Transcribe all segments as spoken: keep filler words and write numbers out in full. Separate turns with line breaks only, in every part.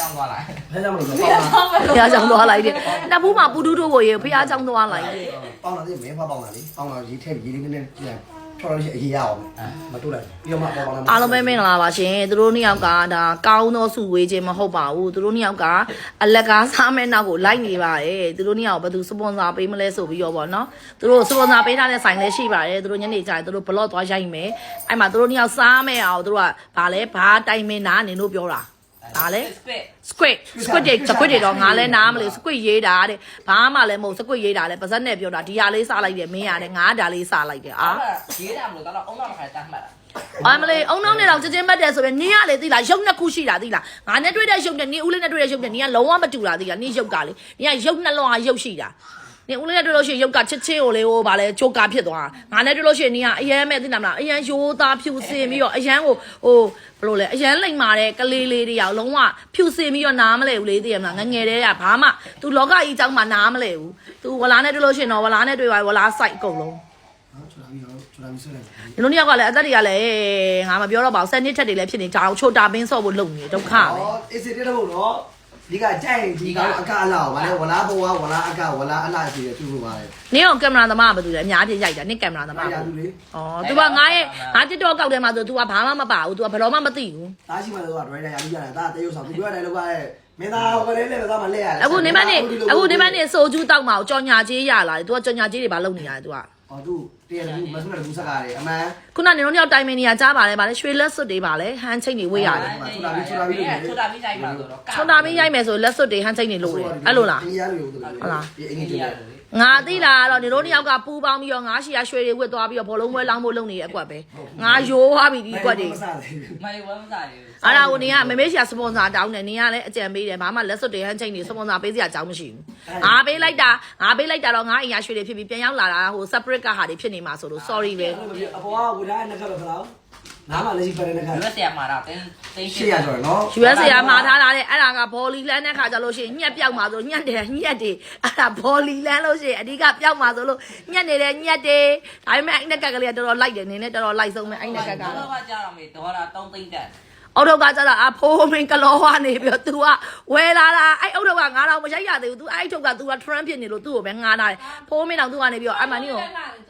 ကြောင်းသွားလိုက်
ဖះကြောင့်မလို့ပေါင်းတာ
ဖះကြောင့်သွားလိုက်တယ်နှစ်ဘူးမှာပူတူးတို့ကိုရေဖះကြောင့်သွားလိုက်တယ်
ပေါင်းတာဒီမင်းဖွားပေါင်းတာလေပေါင်းတာရေးထည့်ရေးလေးနည်းနည်းပြန်ထော်လို့ရှိရင်အရေးရအောင်မတူလိုက်ပြီးတော့မှပေါင်းပေါင်း
အားလုံးပဲမင်္ဂလာပါရှင်သူတို့နှစ်ယောက်ကဒါကောင်းသောစုဝေးခြင်းမဟုတ်ပါဘူးသူတို့နှစ်ယောက်ကအလက်ကားစားမဲ့နောက်ကိုလိုက်နေပါတယ်သူတို့နှစ်ယောက်ဘယ်သူစပွန်ဆာပေးမလဲဆိုပြီးတော့ဗောနော်သူတို့စပွန်ဆာပေးထားတဲ့ဆိုင်လည်းရှိပါတယ်သူတို့ညနေကျရင်သူတို့ဘလော့သွားရိုက်မယ်အဲ့မှာသူတို့နှစ်ယောက်စားမဲ့အောင်သူတို့ကဗာလဲဘာတိုင်မင်နာနေလို့ပြောတာဒါလေ squid squid တွေ squid တွေတော့ငါလဲနားမလို့ squid ရေးတာတဲ့ဘာမှလည်းမဟုတ် squid ရေးတာလဲပါဇက်နဲ့ပြောတာဒီဟာလေးစားလိုက်တယ်မင်းရတယ်ငါဒါလေးစားလိုက်တယ်အာ
ရေးတာမလို့တော့အုံနောက်ခါတမ်းမှတ်
အမလေးအုံနောက်နဲ့တော့ကြင်းမတ်တယ်ဆိုရင်နင်းရလေသိလားရုပ်နှစ်ခုရှိတာသိလားငါနဲ့တွေ့တဲ့ရုပ်နဲ့နင်းဦးလေးနဲ့တွေ့တဲ့ရုပ်နဲ့နင်းကလုံးဝမတူတာသိလားနင်းရုပ်ကလေနင်းကရုပ်နှလုံးကရုပ်ရှိတာနင်းဦးလေးနဲ့တွေ့လို့ရှိရင်ရုပ်ကချစ်ချင်းကိုလေဟိုဗာလဲချိုကာဖြစ်သွားငါနဲ့တွေ့လို့ရှိရင်နင်းကအရန်မဲ့သိလားမလားအရန်ရိုးသားဖြူစင်ပြီးတော့အရန်ကိုဟိုဘလို့လဲအရန်လိမ့်မာတဲ့ကလေးလေးတွေရောက်လုံးဝဖြူစင်ပြီးတော့နားမလဲဘူးလေသိရမလားငငယ်တဲ့ကဘာမှ तू လောကကြီးအကြောင်းမှနားမလဲဘူး तू ဝလာနဲ့တွေ့လို့ရှိရင်တော့ဝလာနဲ့တွေ့ပါဝလာစိုက်အကုန်လုံး
ချူလာပြီးတော့ချူလာပြီးဆွဲလိုက်
ဒီလိုနှစ်ယောက်ကလည်းအသက်တွေကလည်းငါမပြောတော့ပါဘူးစနစ်ထက်တွေလည်းဖြစ်နေကြအောင်ချိုတာပင်းဆော့ဖို့လုပ်နေဒုက္ခပဲ
ဟောအေးစစ်တဲ့တော့နော်ဒီကကြိုက်ဒီကအကအလားဗာလဲဝလားဘဝဝလားအကဝလားအလားစီရသူ့လိုပါလေ
နင်းအောင်ကင်မရာသမားကဘာလုပ်လဲအများကြီးရိုက်တာနင်းကင်မရာသမား
ရ
က
သူလေ
ဩ तू ကငါရဲ့ငါ TikTok ကောက်ထဲမှာဆို तू ကဘာမှမပါဘူး तू ကဘယ်တော့မှမသိဘူး
တားရှိမှတော့ဒရိုက်တာရပြီးရတယ်ဒါတရုပ်ဆောင်သူပြောတယ်လို့ကမင်းသားဟိုကလေးလေးပဲသားမလဲရတယ်
အခုနေမနေအခုနေမနေဆိုကျူးတောက်မှာကြော်ညာကြီးရလာတယ် तू ကကြော်ညာကြီးတွေဘာလုပ်နေရလဲ तू က
ဟောသူတရတူမဆုနဲ့တူစကားတယ်အမှန်
ခုနနေတော့ရောက်တိုင်မင်နေရကြားပါလေဗာလေရွှေလက်စွပ်တွေပါလေဟန်ချိတ်တွေဝေးရတယ်
ချူတာပြီးချူတာပြီးချူတာပြီးရိုက်ပါဆိုတော့
ချုံတာမင်းရိုက်မယ်ဆိုလက်စွပ်တွေဟန်ချိတ်တွေလို့တယ်အဲ့လိုလား
ဒီရလို့ဟုတ်လားဒီအင်းကြီးတယ်
ငါသိလားတော့နေတို့နှစ်ယောက်ကပူပေါင်းပြီးတော့ငါရှိရရွှေတွေဝတ်သွားပြီးတော့ဘောလုံးပွဲလောင်းဖို့လုပ်နေတဲ့အကွက်ပဲငါရိုးသွားပြီဒီအကွက်တွေ
မလေးဝမ်းမစားရဘူး
အဲ့ဒါကိုနေကမမေးရှာစပွန်ဆာတောင်းတယ်နေကလည်းအကြံပေးတယ်ဘာမှလက်စွပ်တွေဟန်ချိန်တွေစပွန်ဆာပေးစရာအကြောင်းမရှိဘူးငါပေးလိုက်တာငါပေးလိုက်တာတော့ငါအင်ရရွှေတွေဖြစ်ပြီးပြန်ရောက်လာတာဟို separate ကဟာတွေဖြစ်နေမှာဆိုလို့ sorry ပဲ
အပေါ်ကဝဒါနဲ့ခက်ပဲခလားနားမလည်းရှိပါတယ်နဲ့ခက်
ရွက်ဆရာမှာတော့တင်းတင်း
ရှေ့ရဆိုရနော်
ယူအက်စ် ကမှာထားတာတဲ့အဲ့ဒါကဘောလီလန်းတဲ့ခါကျလို့ရှိရင်ညက်ပြောက်မှာဆိုညက်တယ်ညက်တယ်အဲ့ဒါဘောလီလန်းလို့ရှိရင်အဓိကပြောက်မှာဆိုလို့ညက်နေတယ်ညက်တယ်ဒါပေမဲ့အဲ့နက်ကက်ကလေးကတော်တော်လိုက်တယ်နေနဲ့တော်တော်လိုက်ဆုံးပဲအဲ့နက်ကက်က
တော့ကကြာတော့မေဒေါ်လာသုံးသိန်းတက်
အော်တော့ကကျတော့အဖိုးမင်းကလောဝါနေပြီးတော့ तू ကဝယ်လာတာအဲ့အော်တော့ကငါတော့မရိုက်ရသေးဘူး तू အဲ့ထုတ်က तू က trend ဖြစ်နေလို့ तू ကိုပဲငါနာတယ်ဖိုးမင်းတော့ तू ကနေပြီးတော့အမှန်ကြီးကို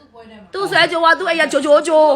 तू ဆွဲကြိုးက तू အဲ့ရဂျိုဂျိုဂျို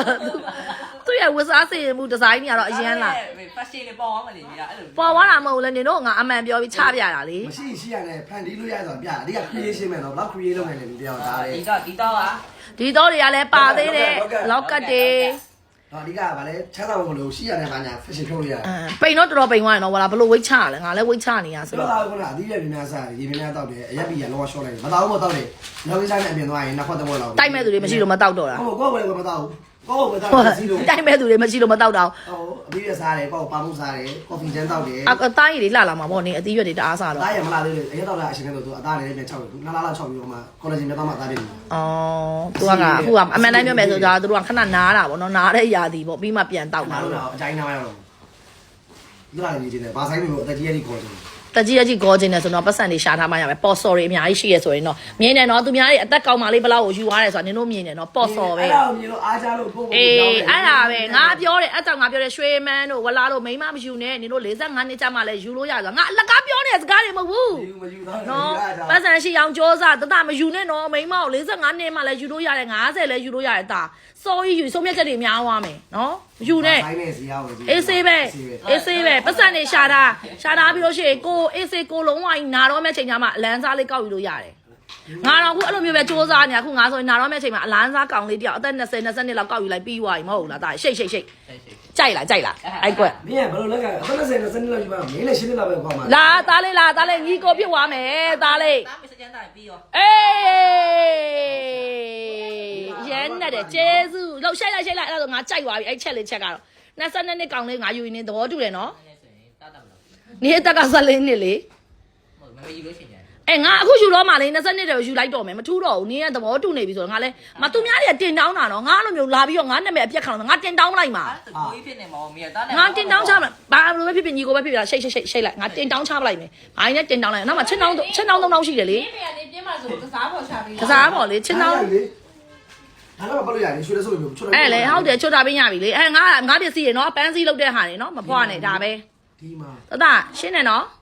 तू ရဲ့ဝတ်စားစင်မှုဒီဇိုင်းကြီးကတော့အရင်လား
ဖက်ရှင်လေးပေါ်အောင်မလေးကြီးအဲ့လို
ပေါ်သွားတာမဟုတ်လဲနေတော့ငါအမှန်ပြောပြီးချပြတာလေ
မရှိရှိရတယ်ဖန်တီးလို့ရဆိုပြအဓိက creation မယ်နော်ဘလောက် create လုပ်နိုင်လဲဒီတရားဒါလေ
ဒီတော့ဒီတော့က
ဒီတော့တွေကလည်းပါသေးတယ်လောက်ကတ်တွေ
ဟောအဓိကကဗာလဲချမ်းသာဖို့လို့ရှိရတယ်ဘာညာ fashion ထုတ်လို့ရတယ်
ပိန်တော့တော်တော်ပိန်သွားတယ်နော်ဝလာဘလို့ဝိတ်ချလဲငါလည်းဝိတ်ချနေရဆို
ဆို
တော့
တော့ကတော့အသီးရည်များစားရေများတောက်တယ်အရက်ပြီးရလောရှော့လိုက်တယ်မတောက်ဘူးမတောက်တယ်လောကိစားနဲ့အပြင်သွားရင်နှစ်ခွက်တစ်ခွက်လောက်
တိုက်မဲ့သူတွေမရှိလို့မတောက်တော့တာ
ဟုတ်ကောဘယ်ကောမတောက်ဘူးကောဘယ်တောက်စီလို့
တိုက်မဲ့သူတွေမရှိလို့မတောက်တော့
ဟိုအသီးရစားတယ်ကောပါမှုစားတယ်ကော်ဖီချမ်းတောက်တယ်
အအသားရည်တွေလှလာမှာပေါ့နေအသီးရွက်တွေတအားစားတော့
သားရမလာသေးလေအရက်တောက်တာအရှင်ကတော့သူအသားလည်းပြန်ချောက်တယ်နှစ်လားလားချောက်ပြီးတော့မှ collagen မြတ်သားမှအသားပြင်တယ်
အော်သူကကအခုကအမှန်တိုင်းပြောမယ်ဆိုတော့သူတို့ကခဏနားတာပေါ့နော်နားတဲ့ຢာတီပေါ့ပြီးမှပြန်တောက်မှာ
နား
လို့
လို့အတိုင်းနားရတော့ဒီလားနေနေဘာဆိုင်မျိုးအတကြီးရည်ခေါ်တယ်
တကြီးတကြီးကောခြင်းနဲ့ဆိုတော့ပတ်စံတွေရှာထားမှရမယ်ပေါ်စော်တွေအများကြီးရှိရဆိုရင်တော့မြင်တယ်နော်သူများတွေအသက်ကောင်းမှလေးဘလောက်ကိုယူသွားတယ်ဆိုတာနင်တို့မြင်တယ်နော်ပေါ်စော်ပဲ
အဲ့ဒါကိုမြင်လို့အားကြလို့ပို့ပို့
အေးအဲ့ဒါပဲငါပြောတယ်အဲ့ကြောင့်ငါပြောတယ်ရွှေမန်းတို့ဝလာတို့မိန်းမမယူနဲ့နင်တို့၄၅နှစ်ကြာမှလည်းယူလို့ရဆိုငါအလကားပြောနေတဲ့စကားတွေမဟုတ်ဘူး
မယူတော့
နော်ပတ်စံရှိအောင်စ조사တတမယူနဲ့နော်မိန်းမကို၄၅နှစ်မှလည်းယူလို့ရတယ်၅၀လည်းယူလို့ရတယ်တာစော်ကြီးယူဆုံးဖြတ်ချက်တွေများသွားမယ်နော်ယူနဲ့
ဆိုင်နဲ့စီရောက်တယ်
အေးဆေးပဲအေးဆေးပဲပတ်စံနေရှာတာရှာတာပြီးလို့ရှိရင်ကိုအေးဆေးကိုလုံးဝနာတော့မဲ့ချိန်ကျမှအလန်းစားလေးကောက်ယူလို့ရတယ်ငါတော့အခုအဲ့လိုမျိုးပဲစ조사နေတာအခုငါဆိုရင်နာတော့မဲ့ချိန်မှာအလန်းစားကောင်လေးတယောက်အသက်၂၀ ၂၀နှစ်လောက်ကောက်ယူလိုက်ပြီးသွားပြီမဟုတ်ဘူးလားတာရှိတ်ရှိတ်ရှိတ်ကြိုက်လားကြိုက်လားအဲ့ကွက်
မင်းကဘယ်လိုလဲကအသက်၂၀ ၂၀လောက်ယူပါမင်းလည်းရှင်းနေလောက်ပဲခေါ်မှာ
လာသားလေးလာသားလေးညီကိုဖြစ်သွားမယ်သားလေး
သားမစကြမ်းတိုင်းပြီးရော
အေးရန်နဲ့တဲ့ကျေးဇူးလောက်ရှိုက်လိုက်ရှိုက်လိုက်အဲ့ဒါဆိုငါကြိုက်သွားပြီအဲ့ချက်လေးချက်ကတော့၂၂နှစ်ကောင်လေးငါယူရင်းနေသဘောတူတယ်နော်
အဲ့ဆိုရင်တားတာမလို့
နေအသက်က၁၄နှစ်လေ
ဟုတ်မမေယူလို့ရှိရင်
အဲငါအခုယူတော့မှလေ၂၂နှစ်တည်းယူလိုက်တော့မယ်မထူးတော့ဘူးနင်းကသဘောတူနေပြီဆိုတော့ငါလဲမသူများတွေကတင်တောင်းတာနော်ငါအဲ့လိုမျိုးလာပြီးတော့ငါနာမည်အပြက်ခံတော့ငါတင်တောင်းလိုက်မှာ
အဲ့ဒါကိုကြီးဖြစ်နေမှာမေတားနဲ့
ငါတင်တောင်းချမှာဘာလို့ပဲဖြစ်ဖြစ်ညီကိုပဲဖြစ်ဖြစ်ရှိတ်ရှိတ်ရှိတ်လိုက်ငါတင်တောင်းချပလိုက်မယ်ဘာရင်နဲ့တင်တောင်းလိုက်နောက်မှချင်းတောင်းချင်းတောင်းသုံးတောင်းရှိတယ်လေ
ဒီနေရာနေပြင်းမှာဆိုကစားပေါ်ချပြီး
ကစားပေါ့လေချင်းတောင်း
ဒါတော့ဘာလို့ရလဲရွှေလက်စုပ်မျိုးချွတ်
အဲ့လေဟုတ်တယ်ချွတ်တာပင်းရပြီလေအဲငါငါပစ္စည်းရေနော်ပန်းစည်းလုပ်တဲ့ဟာနေနော်မဖွားနဲ့ဒါပဲ
ဒီမှာ
တတရှင်းနေနော်